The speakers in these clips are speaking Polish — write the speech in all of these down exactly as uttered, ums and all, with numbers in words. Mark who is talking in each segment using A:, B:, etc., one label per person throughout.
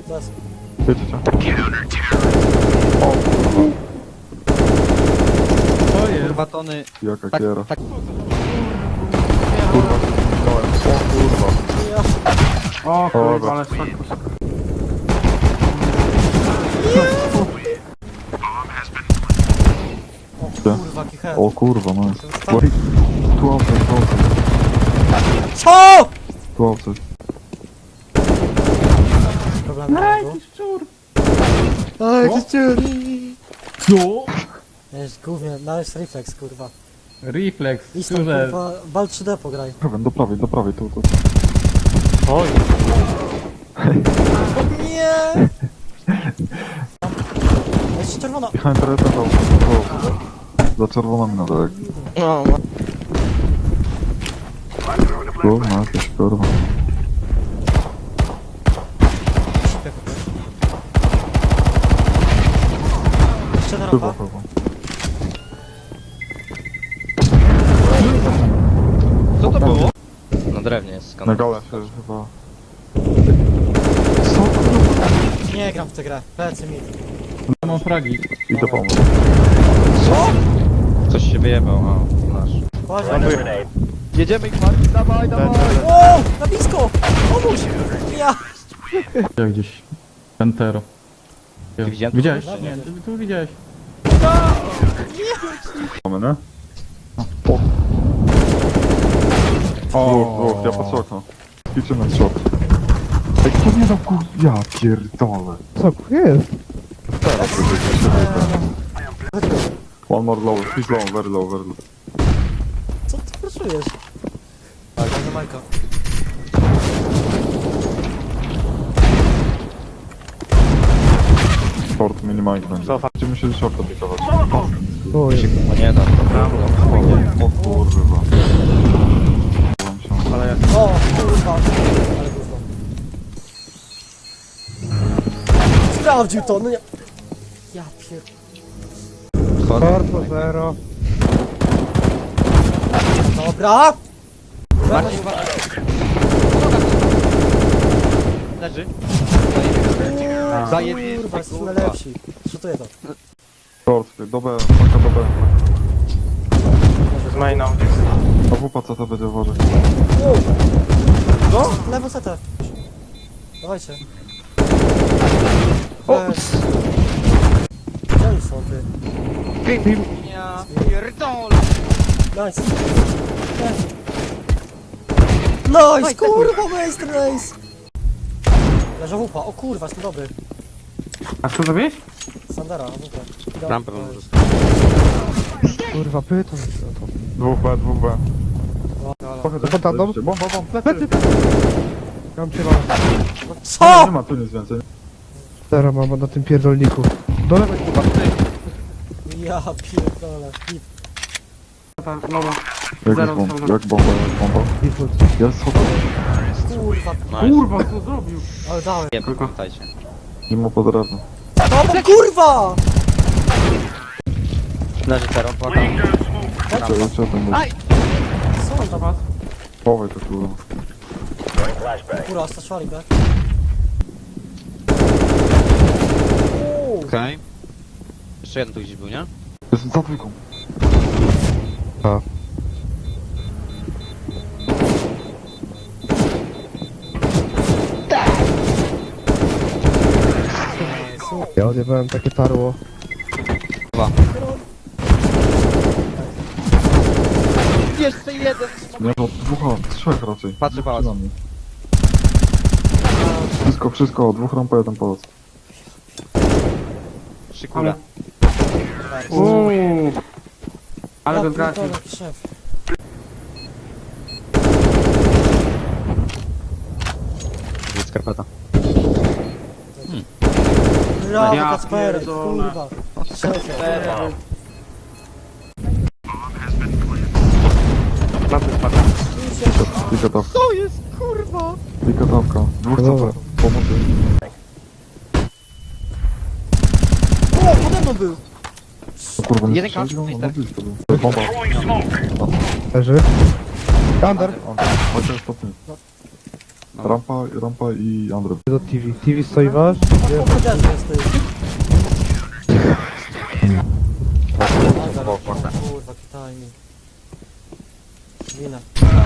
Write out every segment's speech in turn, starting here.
A: Bez.
B: Wiecie co?
C: To jest.
D: Kurwa tony.
B: Jaka
D: Tak,
B: kiera.
D: tak.
B: Kurwa, zginąłem. O kurwa.
A: Ja.
C: O kurwa,
B: Dobra.
C: ale szok.
A: O
B: Gdzie?
A: kurwa, jaki head.
B: O kurwa, no jest.
A: Zostaw-
B: Wait. Tu outside, tu outside.
A: Co?
B: Tu outside.
A: Problem
C: Ej,
A: nie
C: jakiś szczur.
A: Ej, jaki ciur.
C: Co?
A: Jest głównie, nawet reflex, kurwa.
C: Reflex,
A: Idź tam,
C: szczurze.
A: kurwa, bal trzy D pograj.
B: Prawej, do prawej, do prawej, tu, tu.
A: Oj. Nie! Jest czerwona.
B: Behind the red and outside. Za czerwoną minę, tak.
D: No,
B: Kurwa, jakieś kurwa.
A: Sipie, kurwa. Jeszcze na
B: Chyba,
A: rampa.
B: chyba.
D: co to było? Na drewnie jest
B: Na
D: skandal.
B: galę się chyba... Co kurwa?
A: Nie gram w tę grę. Plecy mi.
C: Mam fragi.
B: Idę pomóc.
A: Co?
D: Coś się wyjebał, a nasz.
A: Uważaj.
D: Jedziemy ich Marcin, dawaj, dawaj!
A: O! Na blisko! Pomóż! Ja!
C: Ja gdzieś. Pantero.
D: Ty widziałem?
C: Widziałeś?
A: Dobra.
C: Nie, ty tu widziałeś.
B: Mamy, nie?
C: O.
B: Dwóch, dwóch, ja patrzę okno. Liczymy shot. Ej, kto nie dał kur... Ja pierdolę.
E: Co jest?
B: Teraz to będzie się wyda. One more low, he's low, very low, very low.
A: Co ty proszujesz? Tak, na Majka.
B: Short, minimajk będzie. Będziemy się shorta pikować.
E: O, jest.
D: No nie da, to
B: O kurwa. Byłem się.
C: Ale ja...
A: O! Kurwa! Ale gówno. Sprawdził to, no nie... Ja pier...
E: Corpo zero.
A: Dobra!
D: Marcin, uważaj. Leży. Zajebiście,
A: Kurwa, jesteśmy
D: kurwa.
A: lepsi. Szutuję to.
B: Short, do B, paka do B.
C: Z maina.
B: A wupa co to będzie uważać?
A: No? Lewo setę. Dawajcie. Weź. Gdzie oni są, ty?
D: Ja pierdolę.
A: Nice. Nice! Nice, kurwa, majster, nice! Leża łupa, o kurwa, jestem dobry.
C: A co zrobiłeś?
A: Sandara, łupa.
D: Rampę może.
E: Kurwa, pytam.
B: Dwóch B, dwóch B. Pochodzę,
E: Pod tamtą?
B: Bomba, bomba,
E: Plecy,
B: plecy.
E: Mam cię mam.
A: No
B: Nie
A: co?
B: ma tu nic więcej.
E: Zero mam na tym pierdolniku. Do lewej kurwa.
A: Ja pierdolę. Hit.
C: No,
B: Jak
C: Zero
B: jest bomba,
C: są-
B: jak bomba, jak bomba.
E: Default.
B: Jest schody.
A: Kurwa,
C: kurwa, co zrobił?
A: ale dałem.
D: Nie, pamiętajcie.
B: Nie ma pod drewno.
A: No bo kurwa!
D: Leży zero, płaka.
B: Co jeszcze tam będzie?
A: Co on tam?
C: Was?
B: Chowaj to kurwa.
A: Kurwa, staszwali, tak? Uuu,
D: Okej. Jeszcze jeden tu gdzieś był, nie?
B: Jest za dwójką.
E: Ja odjebałem takie tarło.
D: Jeszcze jeden!
B: Nie, no dwóch, a trzech raczej.
D: Patrzę pałac.
B: Na mnie. Wszystko, wszystko, dwóch rampa, jeden pałac.
D: Trzy kule.
C: Uuu. Ale
A: ja
C: go zgasił.
A: pierdolę, szef.
D: Jest skarpeta.
A: Brawo,
C: Ja
A: Kacperek,
C: pierdolę.
A: kurwa. Szefie.
C: Na tym spadł.
B: Pika tawka.
D: To jest kurwa!
B: Pika tawka. Dwóch
E: Dobra.
B: C P. Pomocy.
A: O, pode mną był!
B: No kurwa, nie
D: Jeden
B: strzelił?
D: kaczek,
B: No blisko był. Bomba.
E: Leży. Under.
B: On, chociaż to ty. Rampa, rampa i Andrew.
E: Do T V. T V stoi wasz?
A: No po powiedziałem, jest ty.
D: Bok, bok.
A: Kurwa, kitaj mi. Winę.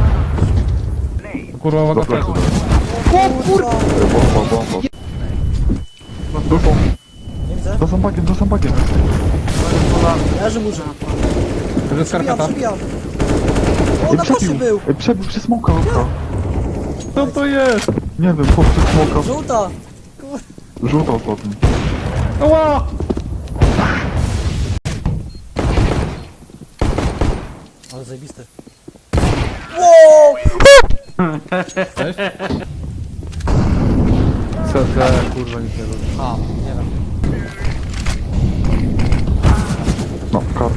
C: Kurwa, uwaga,
B: Do fleszy
C: flash.
B: daj.
A: Kurwa!
B: Bomba, bomba. Dupą.
A: Nie widzę.
B: Za zębakiem, za zębakiem.
A: Leży murzyn.
C: To jest
A: Przebijam,
C: skarpeta.
A: przebijam. O,
B: Ej,
A: na koszy
B: przebił.
A: był.
B: Ej, przebił przez smoka, oka.
C: Co to jest?
B: Nie wiem, chłop przez smoka.
A: Żółta!
B: Żółta ostatni.
C: Ła!
A: Ale zajebisty. Wow!
D: Co za kurwa nic nie robi.
A: A, nie wiem.
B: No, kar.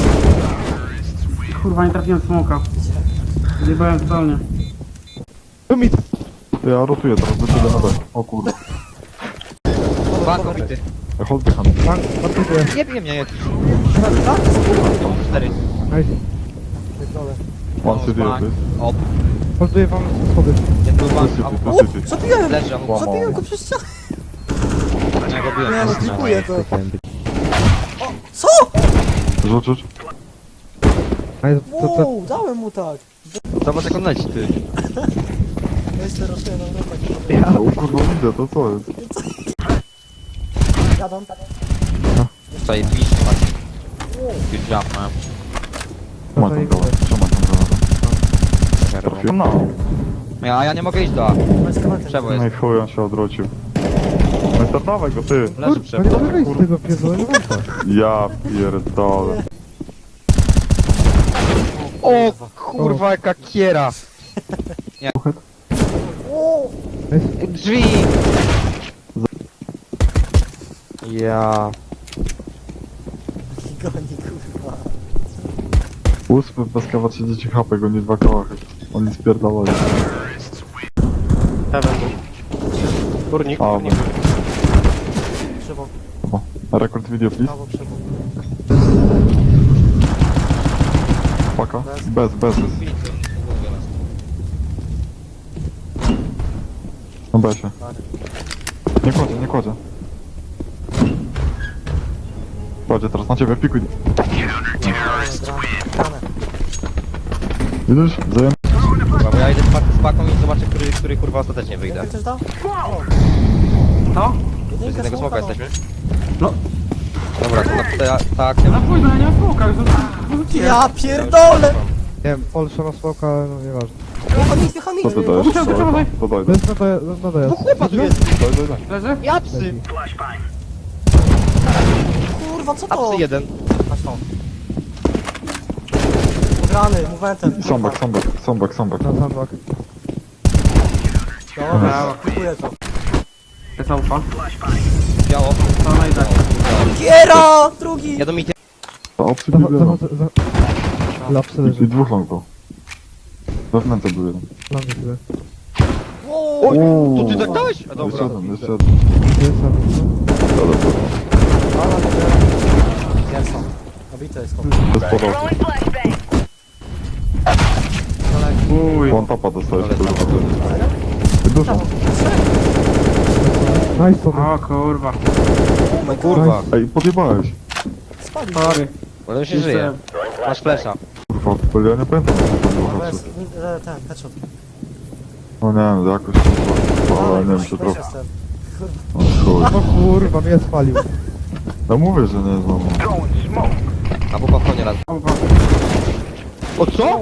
C: Kurwa, nie trafiłem w smoka. Zjebałem totalnie.
E: To mi...
B: Ja rotuję teraz do ciebie na B. O kurde.
D: Bank obity.
B: Ej, hold behind.
E: Bank, bankuję.
D: Nie bije mnie.
A: Tak?
D: Cztery.
E: Nice.
A: Pierdolę.
B: One city
D: Bank.
B: jest.
D: O,
E: Holduję wam schody.
D: jeden był
B: To
D: bank.
B: city,
D: A,
B: to
A: O!
B: city.
A: Zabiłem!
D: leży, a
A: Zabiłem go przez ścianę!
D: ja go biłem.
A: Nie no, dziękuję to. O! Co?
B: Rzuć, rzuć.
E: Nice, to, to,
A: Wow, dałem mu tak.
D: Zobacz jak on leci, ty.
A: Weź te rośnie na Europę.
B: O kurwa, widzę, to co jest?
A: Jadą.
D: Tutaj pisz, patrz. Już jump mam.
B: Trzymaj tą gałę, trzymaj tą gałę. Trafiłem na.
D: Ja, a ja nie mogę iść do A.
A: Bez kamaty.
D: Przewo
B: No i
D: jest.
B: chuj, on się odwrócił. No i startowaj go, ty.
D: Leży
E: kurwa, nie
D: przewo.
E: mogę wyjść z tego pierdolenia banka.
B: Ja pierdolę.
D: O kurwa jaka kiera.
A: O!
D: Drzwi! Ja...
A: Goni, kurwa.
B: Ósmy bez kawa trzydzieści H P, go nie dwa kałachy. Oni spierdolali.
C: Górnik,
B: A,
C: górnik.
A: Krzywo,
B: o. Rekord video, please.
A: prawo, krzywo.
B: Paka. Bez, bez, bez. No besie. Nie kładzie, nie kładzie. Kładzie teraz na ciebie, pikuj.
A: Grane.
B: Widzisz? Zajem...
D: Dobra, bo ja idę z pak- z paką i zobaczę, który, który kurwa ostatecznie wyjdę.
A: Jakby coś dał?
C: Co?
D: Z
A: Jedynka
D: jednego smoka
A: smoka, no.
D: jesteśmy?
C: No.
D: Dobra, to na, ta, ta akcja...
C: Na pójdę, ja nie mam smoka, już wyrzuciłem.
A: Ja pierdolę!
E: Nie wiem, Olsza na smoka, ale no nieważne.
A: Hamik, hamik!
B: Co ty dajesz?
C: Musiał,
B: To
C: musiał,
B: daj, to daj,
E: To jest na dojazd. Na dojazd.
D: Chłopa tu jest!
B: daj, daj, daj.
C: Leży?
D: Ja psy!
A: Kurwa, co
D: A
A: to?
D: psy jeden.
A: Patrz to. Grany, movementem.
B: Sambak, sambak, sambak, sambak.
E: Na sandbag.
A: Dobra, kupuję to.
C: Jest aufa.
D: Biało.
C: To najdę.
A: Kiera! Drugi!
D: Ja do mity.
B: To obcy
E: Zachodzę,
B: bibielą.
E: zachodzę, za... Lapsy
B: I,
E: leży.
B: I dwóch long było. Wewnętrznie był jeden.
E: Na mnie tyle.
A: Wow!
B: Uuu.
D: To ty tak dałeś? A
B: Jeszcze
D: dobra.
B: jeden, jeszcze jeden.
E: Jest sam.
B: Dobra, dobra.
A: Ale Pierwsza. Obite jest chłop.
B: Bez podałki.
C: Uj.
B: One tapa dostajesz,
D: Ale
B: kurwa.
D: tam-
B: ty. Dużo.
E: Nice, to
C: O kurwa.
D: No kurwa.
B: Ej, podjebałeś.
A: Spalił.
C: Sorry.
D: Potem się żyje. Masz flesza.
B: Kurwa, bo ja nie pamiętam, jak to było
A: Bez,
B: haczy.
A: e, ten, headshot.
B: No nie wiem, jakoś kurwa, ale nie wiem, czy
A: Weź
B: trochę.
A: jestem.
B: O chuj.
E: No kurwa, mnie spalił.
B: No mówię, że nie znowu.
D: A po pachonie raz.
C: Aufa.
D: O co?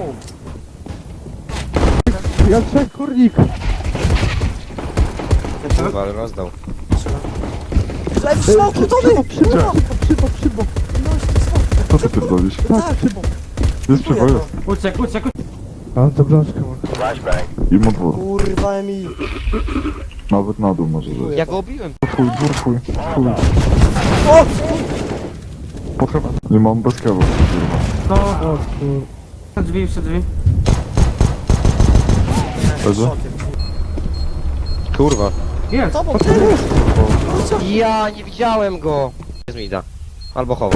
E: Ja trzech kurnik.
D: Kurwa, ale rozdał.
A: Lew, smok, Tony!
E: Przybok, przybok, przybok.
B: Co ty pierdolisz?
E: Tak, przybok.
B: Jest przybo, jest.
C: Uciek, uciek, uciek.
E: A on to blaszkę ma.
B: I mu dwór.
A: Kurwa, Emil.
B: Nawet na dół może zejść.
D: Ja go obiłem.
B: Twój, dwór twój, twój.
A: O!
B: Pod chyba. Nie mam bez kewa, kurwa.
C: To...
E: O kur...
C: Przed drzwi, przed drzwi.
B: Leży?
D: Kurwa.
C: Jest.
A: Tobą, ty!
D: Ja nie widziałem go. Jest mi da. Albo chowa.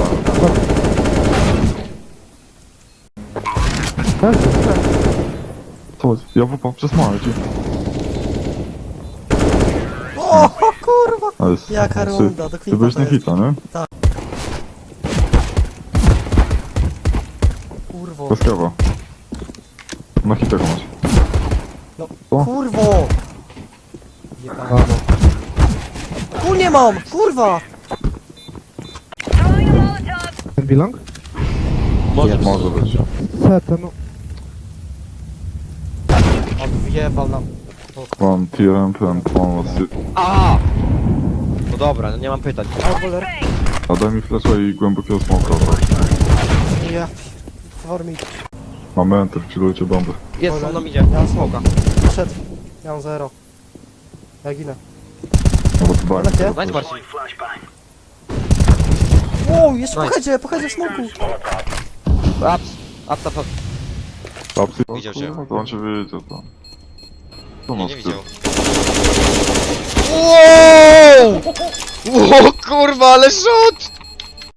E: Tak?
B: Co jest? Ja wupa, przesmałem ci. Nice.
A: Jaka
B: Ty-
A: runda, do
B: Ty
A: klipa
B: byłeś na
A: to jest.
B: hita, nie?
A: Kurwo.
B: Bez kawa. Na hita go masz.
A: No,
B: Co?
A: kurwo! Jebano. Tu nie mam! Kurwa!
E: Ten bilong?
D: Może
B: Może być.
E: Seta, no.
A: On wjebał nam.
B: Mam T R M P and mam asy.
D: A! No dobra, no nie mam pytań.
A: Alboler.
B: A daj mi flesza i głębokiego smoka.
A: Ja... Formik.
B: Mamy enter, chillujcie bomby.
D: Jest,
A: Dobra.
D: on nam idzie.
A: Ja mam
D: Smoka.
A: Szedł. Ja mam zero. Ja ginę.
B: No bo to bang.
A: Lecie?
D: Znajdź Marcin.
A: Wow, jeszcze po
D: Nice.
A: headzie, po headzie w smoku.
D: Ups, ups, ups, ups.
B: Apsy?
D: Widział cię.
B: To on cię wiedział to. To
D: Nie,
B: masz
D: nie
B: ty.
D: widział. Wow! O kurwa, ale rzut!